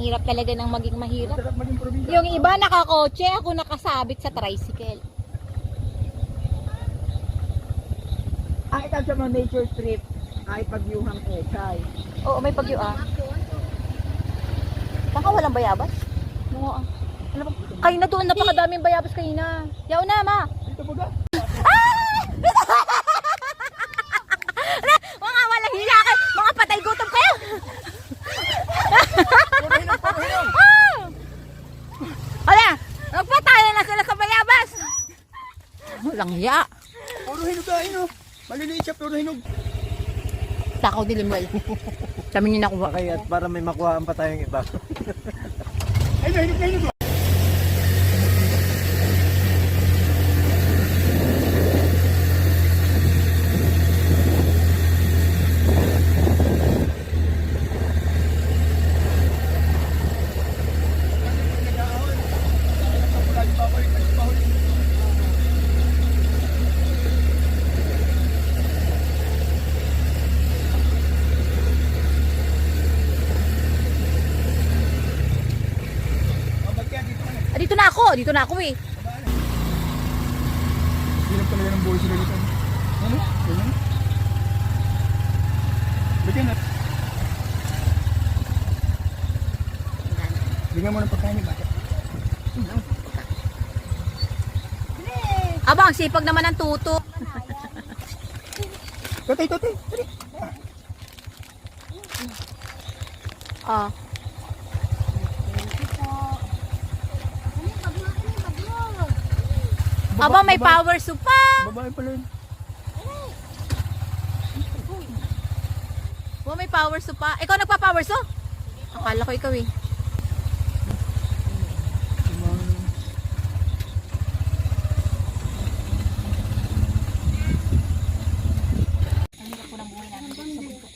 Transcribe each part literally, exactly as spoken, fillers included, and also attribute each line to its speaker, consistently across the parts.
Speaker 1: hirap talaga ng maging mahirap.
Speaker 2: Sarap maging probinsya.
Speaker 1: Yung iba nakakotse, ako nakasabit sa tricycle.
Speaker 2: Ang ikaw sa mga nature trip ay pagyuhang ekay.
Speaker 1: Oo, may pagyo ah. Baka walang bayabas? Oo ah. Ano ba? Kayo na doon, napakadaming bayabas kayo na. Yaw na, ma!
Speaker 2: Dito po ga?
Speaker 1: Mga walang hila kayo! Mga patay gutom kayo!
Speaker 2: Puro hinog, puro hinog!
Speaker 1: Wala! Nagpataya na sila sa bayabas! Walang hiya!
Speaker 2: Puro hinog ka, hinog! Maliliit siya, puro hinog!
Speaker 1: Takaw dilim well. Kami nyo nakuha.
Speaker 3: Kaya para may makuhaan pa tayong iba.
Speaker 2: Ay, na hinog na hinog!
Speaker 1: Ah, dito na ako! Dito na ako eh.
Speaker 2: Hirap talaga ng buhay sila dito. Ano? Ganyan? Bigyan na. Bigyan mo ng pagkain ni bata.
Speaker 1: Aba, ang sipag naman ng tuto.
Speaker 2: Totoy, totoy! Totoy!
Speaker 1: Ah. Aba, may power soup pa.
Speaker 2: Babae pala yun.
Speaker 1: Oh, may power soup pa. Ikaw nagpa-power soup? Akala ko ikaw eh. Ang hirap po ng buhay namin dito sa bundok.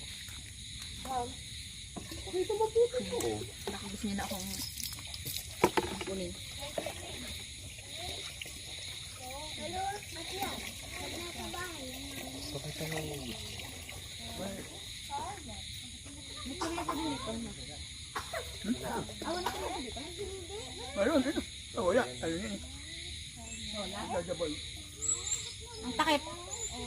Speaker 1: Baka gusto niyo na akong kunin.
Speaker 2: Ayun, ayun. Oh, wala. Ayun yun. Wala. Gagaboy.
Speaker 1: Ang takip.